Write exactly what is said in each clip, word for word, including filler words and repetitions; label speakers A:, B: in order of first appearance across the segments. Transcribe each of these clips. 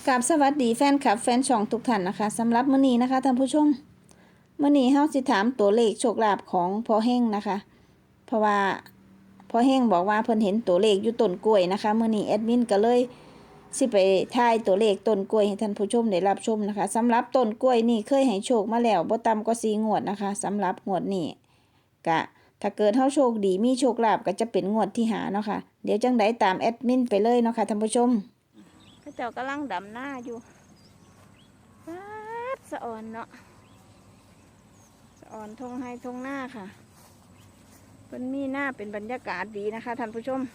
A: กับสวัสดีแฟนคลับแฟนช่องทุกท่านนะคะสำหรับมื้อนี้นะคะท่านผู้ชมมื้อนี้เฮาสิถามตัวเลขโชคลาภของพ่อเฮงนะคะเพราะว่าพ่อเฮงบอกว่าเพิ่นเห็นตัวเลขอยู่ต้นกล้วยนะคะมื้อนี้แอดมินก็เลยสิไปทายตัวเลขต้นกล้วยให้ท่านผู้ชมได้รับชมนะคะสำหรับต้นกล้วยนี่เคยให้โชคมาแล้วบ่ต่ำกว่าสี่งวดนะคะสำหรับงวดนี้กะถ้าเกิดเฮาโชคดีมีโชคลาภก็จะเป็นงวดที่ห้าเนาะค่ะเดี๋ยวจังไดตามแอดมินไปเลยเนาะค่ะท่านผู้ชมเขาเจ้ากำลังดำหน้าอยู่วัดสะอ่อนเนาะสะอ่อนทงให้ทงหน้าค่ะเป็นมีหน้าเป็นบรรยากาศดีนะคะท่านผู้ชม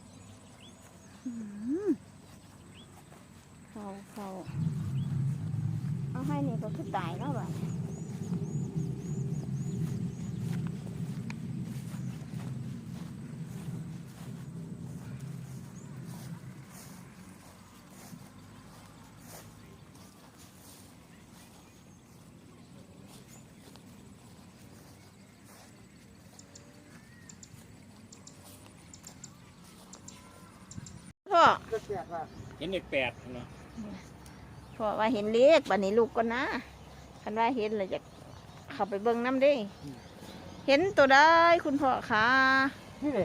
A: เขาเขาเอาให้นี่ก็คือตายแล้วแบบพ่อ
B: เห็นเลขแปดเนาะ
A: พ่อว่าเห็นเลขบัดนี้ลูกก็นะคันว่าเห็นเลยจะเข้าไปเบิ่งน้ำดิเห็นตัวได้คุณพ่อคะ
C: นี่เลย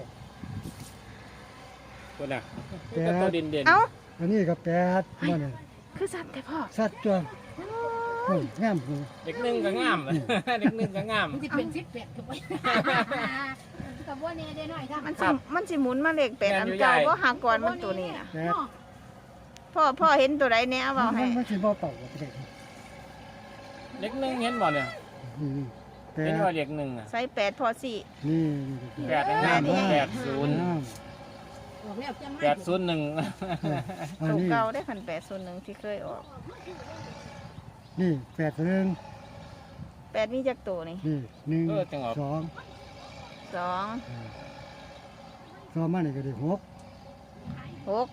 B: ตัวน่ะก็ตัวเด่นเด่น
A: เอ้า
C: อันนี้ก็แปดมันนี่
A: คือสัตว์แต่พ่อ
C: สัตว์จวนงามหู
B: เด็กหนึ่งก็งามเด็กหนึ่งก็งาม
D: มันจะเป็นสิบแปดกับว่ากับว่าเนี่ยได้หน่อยจ้ะ
A: มันสิมันสิหมุนมาเลขแปดอันเก่าว่าหากรมันตัวนี้นะพ่อพ่อเห็นตัวใดแน่เอาให้
C: มันสิบ่เป่าก็ได้
B: เด็กหนึ่งเห็นบ่เนี่ยเห็นว่าเด็กหนึ่งอ่ะ
A: ใส่แปดพอสี่
C: นี่
B: แปดงามแปดศูนย์แปดศูนย์หนึ่ง
A: ตัวเก่าได้พันแปดศูนย์หนึ่งที่เคยออก
C: นี่แปดหนึ่ง
A: แปดมีจักตัวนี่
C: นี่หนึ่งสอง
A: สอง
C: สองมานี่ก็ได้หก
A: หก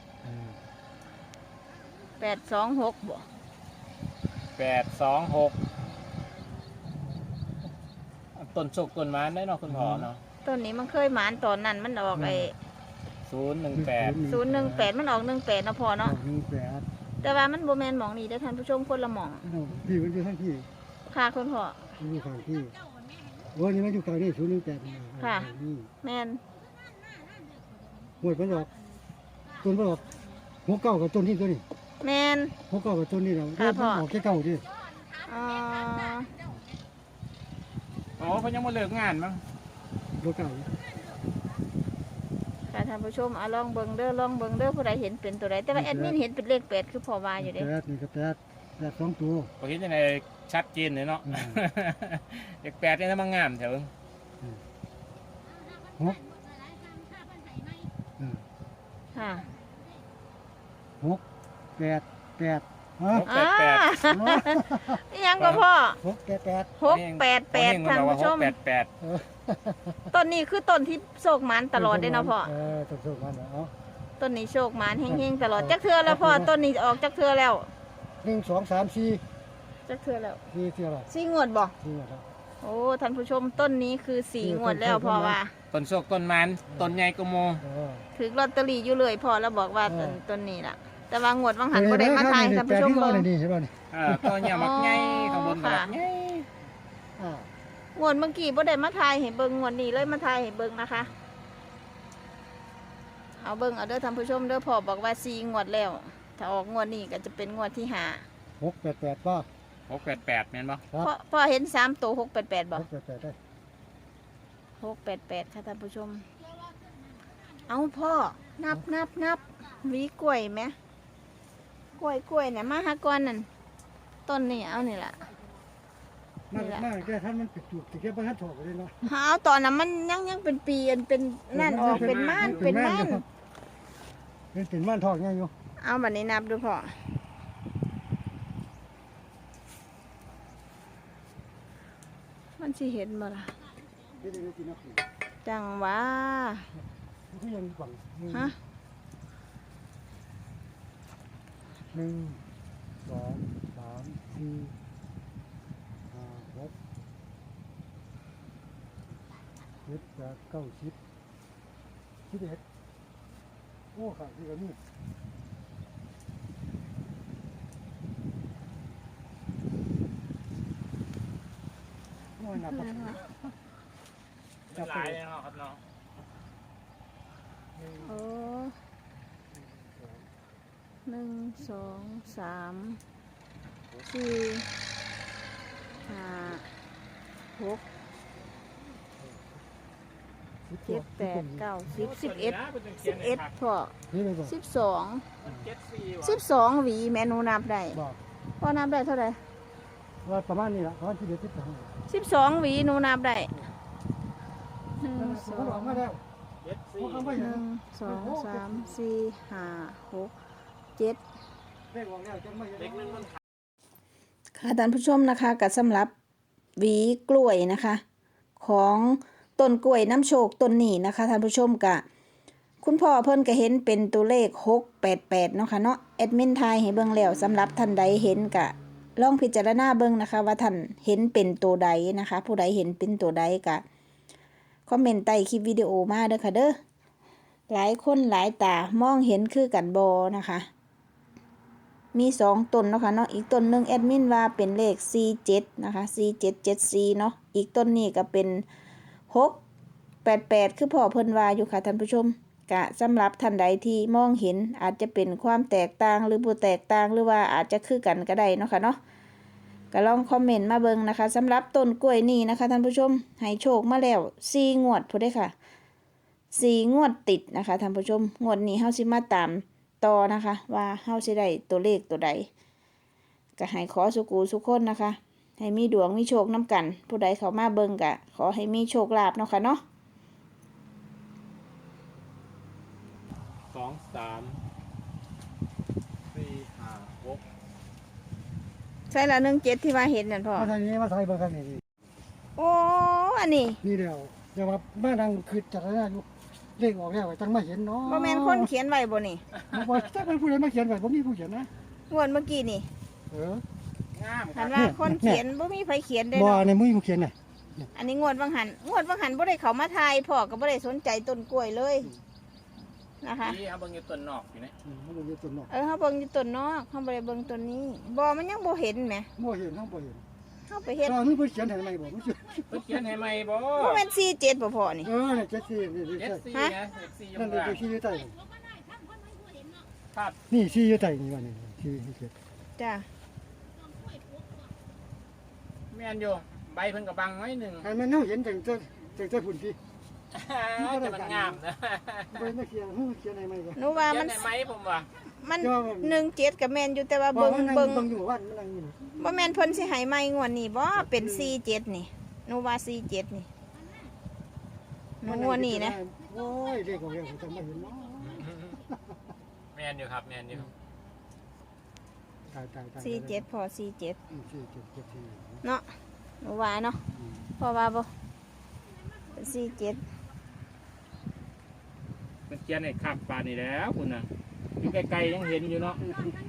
A: แปดสองหกบ่
B: แปดสองหกต้นโชคต้นไม้ได้เนาะคุณพ่อเนาะ
A: ต้นนี้มันเคยหมานตอนนั้นมันออกไอ้
B: ศูนย์หนึ่งแปด
A: ศูนย์หนึ่งแปดมันออกหนึ่งแปดนะพ่อเนาะ
C: หนึ่งแปด
A: แต่ว่ามันโบแมนหมองนี่ได้ท่านผู้ชมคนละหมอง
C: พี่มันอยู่ข้างพี่
A: ค่ะคุณพ่อ
C: อยู่ข้างพี่โอ้ยนี่มันอยู่ข้างนี่ศูนย์หนึ่งแปด
A: ค่ะแมน
C: หวยมันออกต้นมันออกหัวเก่ากับต้นที่ตัวนี้
A: แมน
C: หัวเก่ากับต้นนี้เราค่ะพ่อออกแค่เก่าดิ
A: อ๋อ
B: อ๋อเขายังมาเลิกงานมั้ง
C: หัวเก่า
A: ค่ะท่านผู้ชมเอาลองเบิ่งเด้อลองเบิ่งเด้อผู้ใดเห็นเป็นตัวใดแต่ว่าแอดมินเห็นเป็นเลขแปดคือพอว่าอยู่เด้
C: แปดนี่ก็แปดแปดสองตัว
B: เขาเห็นยังไงชัดเจนเลยเนาะเลขแปดนี่ถ้ามางามแถว
C: หก
A: ค่ะ
C: หกแปดแปด
B: หกแปดแปด
A: ยังก็พ่อ
C: หกแปดแปด
A: หกแปดแปดท่านผู้ชม
B: แปดแปด
A: ต้นนี้คือต้นที่โชคมันตลอดได้เนาะพ่อ
C: เออต้นโชคมันเนาะ
A: ต้นนี้โชคมันเฮงๆตลอดจักเทื่อแล้วพ่อต้นนี้ออกจักเทื่อแล้ว
C: หนึ่งสองสามสี่
A: จักเทื่อแล้ว
C: สี่เทื่อแล้ว
A: สี่งวดบ่
C: สี่งวดแล้ว
A: โอ้ท่านผู้ชมต้นนี้คือสี่งวดแล้วพ่อว่า
B: ต้นโชคต้นมันต้นใหญ่กโม
A: ถือลอตเตอรี่อยู่เลยพ่อแล้วบอกว่าต้นต้นนี้ล่ะแต่ว่างวดบางหันบ่ได้มาทายท่านผู้ชมเบิ่ง
C: นี่ใช่ป่ะนี่
B: อ่าตัวใหญ่มักใหญ่ข้างบนมักใหญ่
A: งวดเมื่อกี้บ่ได้มาทายให้เบิ่งงวดนี้เลยมาทายให้เบิ่งนะคะเอาเบิ่งเอาเด้อท่านผู้ชมเด้อพ่อบอกว่าสี่งวดแล้วถ้าออกงวดนี้ก็จะเป็นงวดที่ห้า
C: หกแปดแปดป่ะ
B: หกแปดแปดแม่นบ่
A: พ่อพ่อเห็นสามตัวหกแปดแปดบ่
C: หกแปดแปดได้
A: หกแปดแปดค่ะท่านผู้ชมเอาพ่อนับนับนับวีกล้วยไหมกล้วยกล้วยเนี่ยมาหากรนั่นต้นนี่เอานี่แหละ
C: มากมากแค่ท่านมันปิดจุกติแค่บ้านถอดเลยเนาะ
A: เอาตอนนั้นมันยังยังเป็นปีเป็นนั่นออกเป็นม่านเป็นม่าน
C: เป็นเป็นม่านทอดไงอยู่
A: เอาแบบนี้นับดูพ่อมันสิเห็นบ่ล่ะจังวะฮะ
C: หนึ่งสองสามสี่ห้าหกเจ็ดแปดเก้าสิบสิบเอ็ดโอ้ขาดที่กันนี่นับ
A: อะไร
C: มา
A: พ่อ
B: เป็นหลายเลยเนาะครับเนาะ
A: โอ้หนึ่งสองสามสี่ห้าหกเจ็ดแปดเก้าสิบสิบเอ็ดสิบเอ็ดพ่อ
C: นี่เลยบอก
A: สิบสอง
B: เจ็ดสี่ว่ะ
A: สิบสองหวีแม่หนูนับได้
C: บอก
A: พ่อนับได้เท่าไหร่
C: ว่าประมาณนี้แหละประมาณที่เดือนที่สอง
A: สิบสองหวีหนูนับได้หนึ่งสอ
C: เขาบอก
A: ง
C: มาแล้ว
B: เจ็ดสี่
C: เขาไม่
A: ห
C: เห็น
A: นึ่งสองสามสี่ห้าหกเจ็ด
C: เลขออกแล้วจะไม่เห็น
B: เล็กนึงมัน
A: ค่ะท่านผู้ชมนะคะกับสำหรับหวีกล้วยนะคะ ของต้นกล้วยน้ำโชคต้นนี้นะคะท่านผู้ชมกะคุณพ่อเพิ่นก็เห็นเป็นตัวเลขหกแปดแปดเนาะค่ะเนาะแอดมินทายให้เบิ่งแล้วสำหรับท่านใดเห็นกะลองพิจารณาเบิ่งนะคะ ว่าท่านเห็นเป็นตัวใดนะคะ ผู้ใดเห็นเป็นตัวใดกะคอมเมนต์ใต้คลิปวิดีโอมาเด้อค่ะเด้อหลายคนหลายตามองเห็นคือกันบ่นะคะ มีสองต้นเนาะค่ะเนาะอีกต้นหนึ่งแอดมินว่าเป็นเลขสี่เจ็ดนะคะสี่เจ็ดเจ็ดสี่เนาะอีกต้นนี้ก็เป็นหกแปดแปดคือพ่อเพิ่นว่าอยู่ค่ะท่านผู้ชมกะสำหรับท่านใดที่มองเห็นอาจจะเป็นความแตกต่างหรือบ่แตกต่างหรือว่าอาจจะคือกันก็ได้เนาะค่ะเนาะก็ลองคอมเมนต์มาเบิ่งนะคะสำหรับต้นกล้วยนี้นะคะท่านผู้ชมให้โชคมาแล้วสี่งวดพุ่นเด้อค่ะสี่งวดติดนะคะท่านผู้ชมงวดนี้เฮาสิมาตามต่อนะคะว่าเฮาสิได้ตัวเลขตัวใดก็ให้ขอสุกูสุกคนนะคะให้มีดวงมีโชคน้ำกัน ผู้ใดเข้ามาเบิ่งก็ขอให้มีโชคลาภเนาะค่ะเนาะ
B: สองสามสี่ห้าหก
A: ใช่ละหนึ่งเจ็ดที่ว่าเห็นนั่นพ่อ
C: มาทางนี้มาทางเบอร์กันนี่
A: โอ้อันนี้
C: นี่เดียวเดี๋ยวว่าบ้านดังคือจัดหน้าอยู่เลขออกแล้วจังไม่เห็นเนาะ
A: บ่แม่นคนเขียนไว้บ่นี่
C: บอกถ้าเป็นผู้ใดมาเขียนไว้ผมมีผู้เขียนนะ
A: งวดเมื่อกี้นี่
C: เออง
B: ามค
A: หั
B: รับ
A: นว่าคนเขียนบ่มีไผเขียนได้
C: บ่
A: เนาะ
C: ในมือผู้เขียนน่ะ
A: อันนี้งวดวังหันงวดวังหันบ่ได้เข้ามาทายพ่อก็บ่ได้สนใจต้นกล้วยเลยนะคะ
B: นี่เอาเบิ่งอยู่ต้นนอกอยู่นะ
C: อืมมันอยู่ต้นนอก
A: เออเฮาเบิ่งอยู่ต้นนอกเฮาบ่ได้เบิ่งต้นนี้บ่มันยังบ่เห็นแหม
C: บ่เห็นเฮาบ่เห็น
A: เฮาไปเฮ็ด
C: ตอนนี้ผู้เขียนให้ใหม่บ่ผู้เขียน
B: เพิ่นเขียนให้ใหม่บ่
A: บ่แม่นสี่เจ็ดบ่พ่อนี่
C: เออเนี่ยเจ็ดสี่นี่นี่
B: เจ็ด
C: ใช่
B: สี่นะเจ็ดสี่อยู่
C: นั่น
B: ข้าง
C: เล
B: ล่าง
C: ขที่อยู่ใต้
B: ครับ
C: นี่ที่อยู่ใต้นี่ว่านี่ที่เขียน
A: จ้ะ
B: แม่นอยู่ใบเพิ่นก็บังไว้หนึ่ง
C: ให้มันเฮาเห็นจังจังจังจังพุ่นพี่
B: แต่มันงามนะ
C: บ่มาเขียนเฮาเขียนให้ใหม่บ่
A: หนูว่า
B: เขีย
A: มัน น
B: ได้ไหมผมว่า
A: มันหนึ่งเจ็ดก็แม่นอยู่แต่ว่า
C: บ่
A: เบิ่ง
C: เบิ่
A: เบิ่
C: ง
A: ง
C: เบิ่งอยู่วันมันนั่งอยู่
A: บ่แม่นเพิ่นสิให้ใหม่งวดนี้บ่เป็นสี่เจ็ดนี่หนูว่าสี่เจ็ดนี่หนูงวดนี้นะ
C: โอ้ยเลขออกแล้วจังไม่เห็นเนาะ
B: แม่นอยู่ครับแม่นอยู่
C: ตายตายตาย
A: สี่เจ็ดพอสี่เจ็ด
C: อืมสี่เจ็ดเจ็ดสี่
A: เนาะหนูว่าเนาะพอว่าบ่เป็นสี่เจ็ด
B: มันเขียนให้ข้ามปานนี่แล้วคุณน่ะอยู่ไกลๆยังเห็นอยู่เนาะ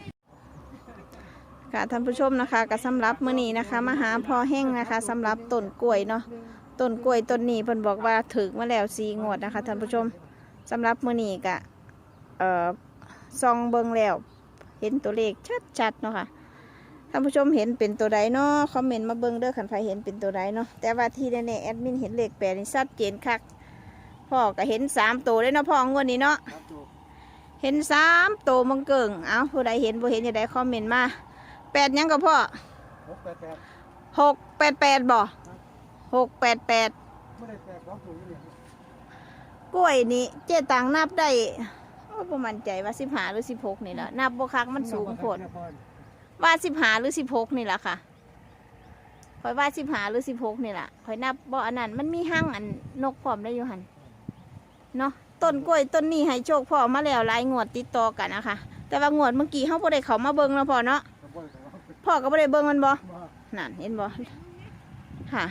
A: ค่ะท่านผู้ชมนะคะก็สำหรับมื้อนี้นะคะมาหาพ่อแห้งนะคะสำหรับต้นกล้วยเนาะต้นกล้วยต้นนี้เพิ่นบอกว่าถึกมาแล้วสี่งวดนะคะท่านผู้ชมสำหรับมื้อนี้ก็เอ่อส่องเบิ่งแล้วเห็นตัวเลขชัดๆเนาะค่ะท่านผู้ชมเห็นเป็นตัวใดเนาะคอมเมนต์มาเบิ่งเด้อคันใครเห็นเป็นตัวใดเนาะแต่ว่าที่แน่ๆแอดมินเห็นเลขแปดนี่ชัดเจนคักพ่อก็เห็นสามตัวเลยเนาะพ่องวดนี้เนาะเห็นสามตัวมังเกิงเอาผู้ใดเห็นผู้เห็นอย่าได้คอมเมนต์มาแปดยังกับพ่อ
C: หกแปดแปด
A: หกแปดแปดบ่หกแปดแปด
C: ไม่ได้แปดสองตัวอยู่เนี่ย
A: กล้วยนี่เจ๊ตังนับได้โอ้ประมั่นใจว่าสิบห้าหรือสิบหกนี่แหละนับบ่คักมันสูงโพดว่าสิบห้าหรือสิบหกนี่แหละค่ะคอยว่าสิบห้าหรือสิบหกนี่แหละคอยนับบ่อันนั้นมันมีห้างอันนกพร้อมได้อยู่หันเนาะต้นกล้วยต้นนี้ให้โชคพ่อมาแล้วหลายงวดติดต่อกันนะคะแต่ว่างวดเมื่อกี้เขาบ่ได้เขามาเบิ่งแล้วพ่อเนาะพ่อก็บ่ได้เบิ่งมันบ่นั่นเห็นบ่ค่ะ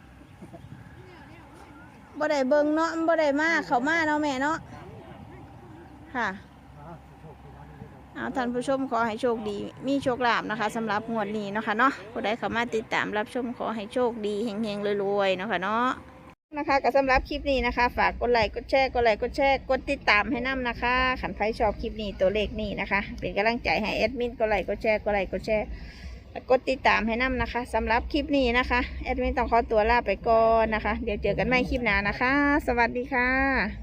A: บ่ได้เบิ่งเนาะมันบ่ได้มาเขามาเนาะแม่เนาะค่ะเอาท่านผู้ชมขอให้โชคดีมีโชคลาภนะคะสำหรับงวดนี้เนาะค่ะเนาะผู้ใดเข้ามาติดตามรับชมขอให้โชคดีเฮงๆรวยๆเนาะค่ะเนาะนะคะก็สำหรับคลิปนี้นะคะ ฝากกดไลค์กดแชร์กดไลค์กดแชร์กดติดตามให้น้ำนะคะขันใครชอบคลิปนี้ตัวเลขนี้นะคะเป็นกำลังใจให้แอดมินกดไลค์กดแชร์กดไลค์กดแชร์กดติดตามให้นำนะคะสำหรับคลิปนี้นะคะแอดมินต้องขอตัวลาไปก่อนนะคะ เดี๋ยวเจอกันใหม่คลิปหน้านะคะ สวัสดีค่ะ